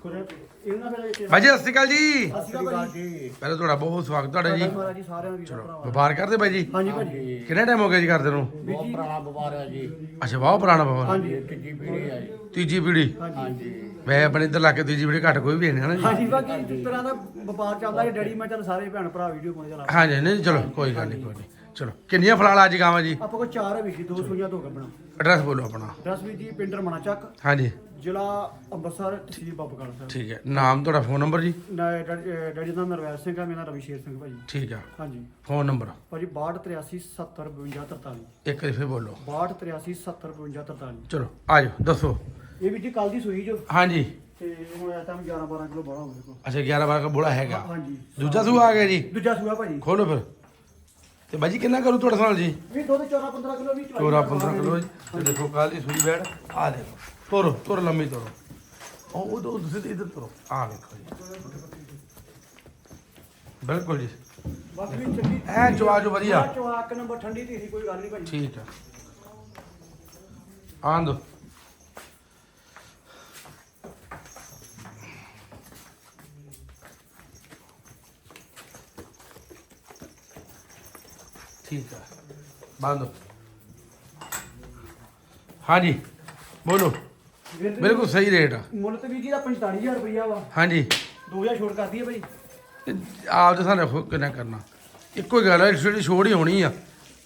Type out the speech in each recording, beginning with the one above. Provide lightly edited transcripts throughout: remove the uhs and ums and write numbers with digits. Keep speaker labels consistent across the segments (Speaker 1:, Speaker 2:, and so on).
Speaker 1: ਭਾਜੀ ਸਤਿ ਸ਼੍ਰੀ ਅਕਾਲ ਜੀ। ਪਹਿਲਾਂ ਤੁਹਾਡਾ ਬਹੁਤ ਸਵਾਗਤ ਤੁਹਾਡਾ ਜੀ। ਚਲੋ ਵਪਾਰ ਕਰਦੇ ਭਾਈ ਜੀ।
Speaker 2: ਹਾਂਜੀ ਭਾਜੀ।
Speaker 1: ਕਿੰਨਾ ਟਾਈਮ ਹੋ ਗਿਆ ਜੀ ਕਰਦੇ ਨੂੰ?
Speaker 2: ਬਹੁਤ ਪੁਰਾਣਾ ਵਪਾਰ ਹੈ ਜੀ।
Speaker 1: ਅੱਛਾ ਬਹੁਤ ਪੁਰਾਣਾ ਵਪਾਰ।
Speaker 2: ਹਾਂਜੀ ਤੀਜੀ ਪੀੜ੍ਹੀ ਹੈ ਜੀ।
Speaker 1: ਤੀਜੀ ਪੀੜ੍ਹੀ।
Speaker 2: ਹਾਂਜੀ
Speaker 1: ਮੈਂ ਆਪਣੇ ਇੱਧਰ ਲਾ ਕੇ ਤੀਜੀ ਪੀੜ੍ਹੀ ਘੱਟ ਕੋਈ ਵੀ ਨਹੀਂ ਹੈ ਨਾ ਜੀ।
Speaker 2: ਹਾਂਜੀ ਬਾਕੀ ਜਿਸ ਤਰ੍ਹਾਂ ਦਾ ਵਪਾਰ ਚੱਲਦਾ ਹੈ ਡੈਡੀ ਮੈਂ ਚੱਲ ਸਾਰੇ ਭੈਣ ਭਰਾ ਵੀਡੀਓ ਪਾਉਣੇ ਚਲਾ।
Speaker 1: ਹਾਂਜੀ ਨਹੀਂ ਚਲੋ ਕੋਈ ਗੱਲ ਨਹੀਂ ਕੋਈ ਨਹੀਂ। ਚਲੋ ਕਿੰਨੀਆਂ ਫਲਾਲ ਅੱਜ ਗਾਵਾਂ ਜੀ?
Speaker 2: ਆਪਾਂ ਕੋਲ 4 ਹੈ ਵੀ ਜੀ 2 ਸੂਈਆਂ ਤੋਂ ਗੱਬਣਾ।
Speaker 1: ਐਡਰੈਸ ਬੋਲੋ ਆਪਣਾ।
Speaker 2: ਐਡਰੈਸ ਵੀ ਜੀ ਪਿੰਡ ਰਮਣਾ ਚੱਕ
Speaker 1: ਹਾਂਜੀ
Speaker 2: ਜ਼ਿਲ੍ਹਾ ਅੰਮ੍ਰਿਤਸਰ ਤਹਿਸੀਲ ਬਾਬੂਗੜ੍ਹ ਸਾਹਿਬ।
Speaker 1: ਠੀਕ ਹੈ। ਨਾਮ ਤੁਹਾਡਾ ਫੋਨ ਨੰਬਰ ਜੀ?
Speaker 2: ਡੈਡੀ ਦਾ ਨਰਵੈਲ ਸਿੰਘ ਹੈ, ਮੇਰਾ ਰਵੀ ਸ਼ੇਰ ਸਿੰਘ ਭਾਜੀ।
Speaker 1: ਠੀਕ ਆ।
Speaker 2: ਹਾਂਜੀ
Speaker 1: ਫੋਨ ਨੰਬਰ
Speaker 2: ਭਾਜੀ 6283 70 52 43।
Speaker 1: ਇੱਕ ਵਾਰੀ ਫਿਰ ਬੋਲੋ।
Speaker 2: 6283 70 52 43।
Speaker 1: ਚਲੋ ਆ ਜਾਓ ਦੱਸੋ।
Speaker 2: ਇਹ ਵੀ ਜੀ ਕੱਲ ਦੀ ਸੂਈ ਜੋ
Speaker 1: ਹਾਂਜੀ
Speaker 2: ਤੇ ਹੁਣ ਇਹ ਟਾਈਮ 11 12 ਕਿਲੋ ਬੜਾ ਹੋਵੇ ਕੋ।
Speaker 1: ਅੱਛਾ 11 12 ਬੋਲਾ ਹੈਗਾ।
Speaker 2: ਹਾਂਜੀ
Speaker 1: ਦੂਜਾ ਸੂਆ ਆ ਗਿਆ ਜੀ।
Speaker 2: ਦੂਜਾ ਸੂਆ ਭਾਜੀ।
Speaker 1: ਖੋਲੋ ਫਿਰ। ਤੇ ਬਾਜੀ ਕਿੰਨਾ ਕਰੂ ਤੁਹਾਡੇ ਨਾਲ ਜੀ?
Speaker 2: ਵੀ ਦੁੱਧ 14 15 ਕਿਲੋ ਵੀ
Speaker 1: 14 15 ਕਿਲੋ ਜੀ। ਤੇ ਦੇਖੋ ਕੱਲ ਦੀ ਸੂਈ ਬੈਠ ਆ ਦੇਖੋ। ਤੋਰੋ ਤੋਰ ਲੰਮੀ ਤੋਰੋ। ਉਹ ਤੁਸੀਂ ਇੱਧਰ ਤੋਰੋ। ਆ ਵੇਖੋ ਜੀ ਬਿਲਕੁਲ ਜੀ।
Speaker 2: ਬਾਕੀ ਵੀ ਚੰਗੀ
Speaker 1: ਐ ਚਵਾ ਜੋ ਵਧੀਆ।
Speaker 2: ਚਵਾ ਇੱਕ ਨੰਬਰ ਠੰਡੀ ਦੀ ਸੀ ਕੋਈ ਗੱਲ ਨਹੀਂ ਭਾਜੀ।
Speaker 1: ਠੀਕ ਆ ਆਂਦੋ। ठीक है बांधो। हाँ जी बोलो। बिल्कुल सही रेट है।
Speaker 2: ਮੁੱਲ ਤੇ ਵੀ ਜੀ ਦਾ 45000 ਰੁਪਇਆ ਵਾ।
Speaker 1: हाँ जी
Speaker 2: 2000 ਛੋੜ ਕਰਦੀ ਹੈ ਭਾਈ।
Speaker 1: आप तो सारे कितना करना इको गल है छोटी छोड़ ही होनी आ।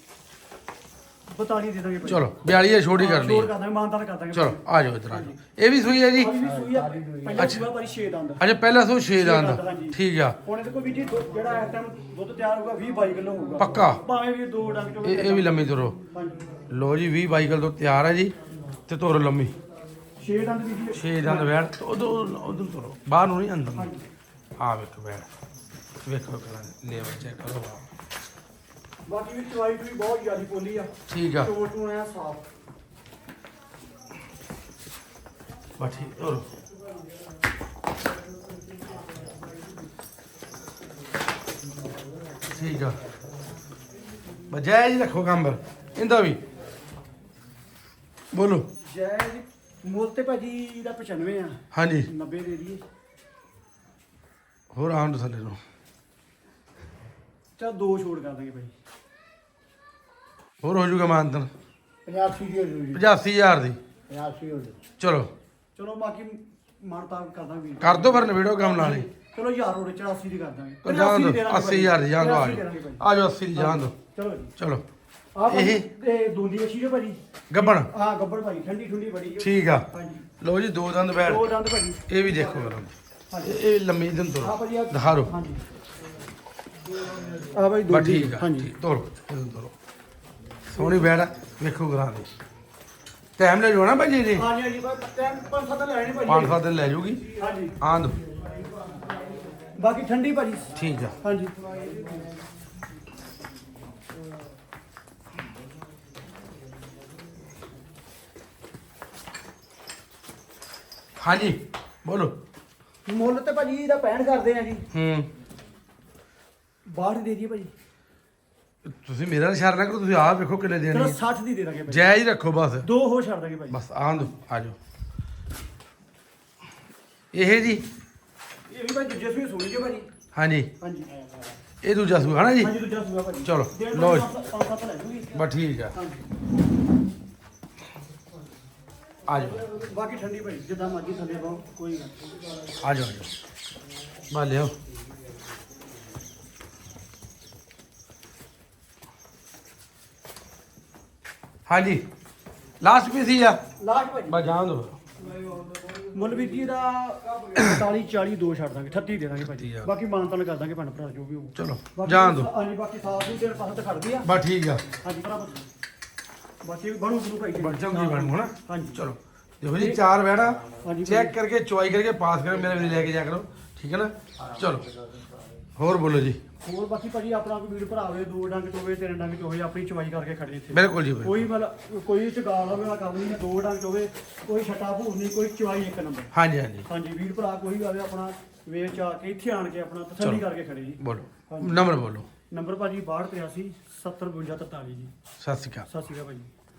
Speaker 2: 42 ਦੇ ਦਾਂਗੇ ਭਾਈ।
Speaker 1: चलो 42 छोड़ ही करनी
Speaker 2: ਛੋੜ
Speaker 1: है।
Speaker 2: ਕਰ ਦਾਂਗੇ ਮਾਨਤਾਨ ਕਰ ਦਾਂਗੇ।
Speaker 1: चलो आ जाओ इधर आ जाओ। ये भी सुई है जी?
Speaker 2: ਆ ਵੀ ਸੂਈ ਆ ਪਹਿਲਾਂ ਸੂਆ ਭਾਈ 6 ਦੰਦ।
Speaker 1: अच्छा पहला सू 6 दांत ठीक है।
Speaker 2: ਹੁਣ ਇਹਦੇ ਕੋਲ ਵੀ ਜੀ ਜਿਹੜਾ ਇਸ ਟਾਈਮ ਦੁੱਧ ਤਿਆਰ ਹੋਊਗਾ 20 22 ਕਿਲੋ ਹੋਊਗਾ
Speaker 1: पक्का
Speaker 2: ਭਾਵੇਂ ਵੀ 2 ਡੰਗ ਚੋਂ
Speaker 1: ये भी लम्मी तुरो।
Speaker 2: ਹਾਂਜੀ
Speaker 1: लो जी 20 22 किलो तो तैयार है जी। ते तुरो लम्मी
Speaker 2: 6 ਦੰਦ ਵੀ ਜੀ
Speaker 1: 6 दंद बैठ उधर तुरो बाहर नहीं अंदर हाँ वेखो बैठ वेखो ले चेक करो।
Speaker 2: ਬਾਕੀ ਵੀ ਚਵਾਈ ਵੀ ਬਹੁਤ ਜ਼ਿਆਦਾ ਪੋਲੀ ਆ।
Speaker 1: ठीक है
Speaker 2: ਟੋਟ ਨੂੰ ਐ ਸਾਫ।
Speaker 1: बस ठीक और ठीक है बजाय जी रखो काम पर इंदा भी बोलो।
Speaker 2: ਜੈ ਜੀ ਮੁੱਲ ਤੇ ਭਾਜੀ ਦਾ 95 ਆ।
Speaker 1: हाँ जी
Speaker 2: 90 ਦੇ ਦਈਏ।
Speaker 1: होर आम थले नो
Speaker 2: ਚਾ 2 ਛੋੜ ਕਰ ਦਾਂਗੇ ਭਾਈ।
Speaker 1: होर हो जूगा मानतन
Speaker 2: 85 ਦੀ ਹੋ ਜੂਗੀ।
Speaker 1: 85000 दी
Speaker 2: 85 ਹੋ ਜੂ।
Speaker 1: चलो
Speaker 2: ਚਲੋ ਬਾਕੀ ਮਾਨਤਾ ਕਰ ਦਾਂਗੇ।
Speaker 1: कर दो पर नवेड़ो काम नाले
Speaker 2: ਚਲੋ 1000 ਹੋਰ 84 ਦੀ ਕਰ ਦਾਂਗੇ।
Speaker 1: तो जान दो
Speaker 2: 80
Speaker 1: 80000 दी जान दो
Speaker 2: 80 ਦੇ ਦਾਂਗੇ ਭਾਈ।
Speaker 1: आ जाओ 80 दी जान दो
Speaker 2: ਚਲੋ ਜੀ
Speaker 1: चलो
Speaker 2: ਆ ਭਾਜੀ
Speaker 1: ਇਹ-
Speaker 2: ਇਹ ਦੂੰਦੀ ਵਛੀ ਜੋ ਭਾਜੀ।
Speaker 1: गब्बन
Speaker 2: ਆ ਗੱਬੜ ਭਾਜੀ ਠੰਡੀ ਠੰਡੀ ਬੜੀ ਜੋ।
Speaker 1: ठीक है
Speaker 2: ਹਾਂਜੀ
Speaker 1: लो जी 2 दंद बैठ
Speaker 2: 2 ਦੰਦ ਭਾਜੀ।
Speaker 1: ये भी देखो मेरा
Speaker 2: ਹਾਂਜੀ
Speaker 1: ये लम्मी दिन
Speaker 2: ਆ
Speaker 1: तो
Speaker 2: ਭਾਜੀ ਆ
Speaker 1: दिखा रो
Speaker 2: ਹਾਂਜੀ ਆ ਭਾਈ
Speaker 1: बस
Speaker 2: ਦੂੰਦੀ
Speaker 1: ठीक है
Speaker 2: ਹਾਂਜੀ
Speaker 1: ठीक तोड़ो तोड़ो सोनी बैठ वेखो करा दे टाइम ले जाना भाई जी
Speaker 2: ਹਾਂਜੀ ਹਾਂਜੀ ਬਸ ਟਾਈਮ 5-7 ਲੈਣੇ ਭਾਜੀ।
Speaker 1: 5-7 दिन ले जाऊगी
Speaker 2: ਹਾਂਜੀ
Speaker 1: आंद
Speaker 2: ਬਾਕੀ ਠੰਡੀ ਭਾਜੀ।
Speaker 1: ठीक है
Speaker 2: ਹਾਂਜੀ
Speaker 1: हाँ जी बोलो।
Speaker 2: ਮੁੱਲ ਤੇ ਭਾਜੀ ਇਹਦਾ 65 ਕਰਦੇ ਆ ਜੀ। 62 ਦੇ ਦਈਏ ਭਾਜੀ।
Speaker 1: ਤੁਸੀਂ ਮੇਰਾ ਇਸ਼ਾਰਾ ਨਾ ਕਰੋ ਤੁਸੀਂ ਆਪ ਵੇਖੋ ਕਿੰਨੇ ਦੇਣੀ
Speaker 2: ਚਲੋ
Speaker 1: ਹੈ
Speaker 2: 60 ਦੀ ਦੇ ਦਾਂਗੇ ਭਾਜੀ।
Speaker 1: ਜਾਇਜ਼ ਰੱਖੋ ਬਸ
Speaker 2: 2 ਹੋ ਛੱਡ ਦਾਂਗੇ ਭਾਜੀ।
Speaker 1: ਬਸ ਆਂਦ ਆ ਜਾਓ। ਇਹ ਜੀ
Speaker 2: ਇਹ ਵੀ ਭਾਈ ਦੂਜੇ ਸੂਏ ਸੁਣੀ ਜੋ ਭਾਜੀ।
Speaker 1: ਹਾਂਜੀ
Speaker 2: ਹਾਂਜੀ
Speaker 1: ਇਹ ਦੂਜਾ ਸੂ ਹੈ ਨਾ ਜੀ?
Speaker 2: ਹਾਂਜੀ ਦੂਜਾ ਸੂਆ ਭਾਜੀ।
Speaker 1: ਚਲੋ,
Speaker 2: ਡੇਢ
Speaker 1: ਲਓ ਜੀ।
Speaker 2: 5-7 ਲੈ ਜੂਗੀ।
Speaker 1: ਬਸ ਠੀਕ ਆ
Speaker 2: ਹਾਂਜੀ
Speaker 1: ਆ ਜਾਓ
Speaker 2: ਬਾਕੀ ਠੰਡੀ ਭਾਜੀ ਜਿੱਦਾਂ ਮਰਜ਼ੀ ਥੱਲੇ ਪਾਓ ਕੋਈ ਗੱਲ ਨਹੀਂ।
Speaker 1: ਆ ਜਾਓ ਆ ਜਾਓ ਬਾ ਲਿਓ। ਹਾਂਜੀ ਲਾਸਟ ਪੀਸ ਹੀ ਆ
Speaker 2: ਲਾਸਟ ਭਾਜੀ
Speaker 1: ਬਸ ਜਾਣ ਦੋ।
Speaker 2: ਮੁੱਲ ਵੀ ਜੀ ਦਾ 45-40 2 ਛੱਡ ਦਾਂਗੇ 38 ਦੇ ਦਾਂਗੇ ਭਾਜੀ।
Speaker 1: ਠੀਕ ਆ।
Speaker 2: ਬਾਕੀ ਮਾਨਤਾਨ ਕਰ ਦਾਂਗੇ ਭੈਣ ਭਰਾ ਜੋ ਵੀ ਹੋਊ।
Speaker 1: ਚਲੋ
Speaker 2: ਬਾਕੀ
Speaker 1: ਜਾਣ ਦੋ
Speaker 2: ਹਾਂਜੀ ਬਾਕੀ ਸਾਫ ਨੂੰ ਤੇਰੇ ਪਾਸੇ ਤੇ ਖੜਦੀ ਆ।
Speaker 1: ਬਸ ਠੀਕ ਆ
Speaker 2: ਹਾਂਜੀ ਭਰਾ ਬਾਕੀ ਬਣੂ ਬਣੂ ਭਾਈ ਜੀ।
Speaker 1: ਬਣ ਜਾਊਗੀ ਬਣ ਹੋਣਾ।
Speaker 2: ਹਾਂਜੀ
Speaker 1: ਚਲੋ देखो जी 4 बैठा
Speaker 2: ਹਾਂਜੀ
Speaker 1: चेक करके चुवाई करके पास करो मेरे लिए लेके जा करो ठीक है ना। चलो और बोलो जी।
Speaker 2: ਹੋਰ ਬਾਕੀ ਭਾਜੀ ਆਪਣਾ ਕੋਈ ਵੀਰ ਭਰਾ ਹੋਵੇ 2 ਡੰਗ ਚੋਵੇ 3 ਡੰਗ ਚੋਵੇ ਆਪਣੀ ਚਵਾਈ ਕਰਕੇ ਖੜੇ ਇੱਥੇ।
Speaker 1: बिल्कुल जी बिल्कुल।
Speaker 2: ਕੋਈ ਮਤਲਬ ਕੋਈ ਚ ਗਾਲ ਹੋਵੇ ਵਾਲਾ ਕੰਮ ਨਹੀਂ 2 ਡੰਗ ਚੋਵੇ ਕੋਈ ਛਟਾ ਭੂਰ ਨਹੀਂ ਕੋਈ ਚਵਾਈ ਇੱਕ ਨੰਬਰ।
Speaker 1: हाँ जी हाँ जी
Speaker 2: ਹਾਂਜੀ ਵੀਰ ਭਰਾ ਕੋਈ ਆਵੇ ਆਪਣਾ ਵੇਚ ਆ ਕੇ ਇੱਥੇ ਆਣ ਕੇ ਆਪਣਾ ਤਸੱਲੀ ਕਰਕੇ ਖੜੇ ਜੀ।
Speaker 1: बोलो नंबर बोलो।
Speaker 2: ਨੰਬਰ ਭਾਜੀ 6283 70 52 43 ਜੀ।
Speaker 1: सत श्री अकाल।
Speaker 2: ਸਤਿ ਸ਼੍ਰੀ ਅਕਾਲ ਭਾਜੀ।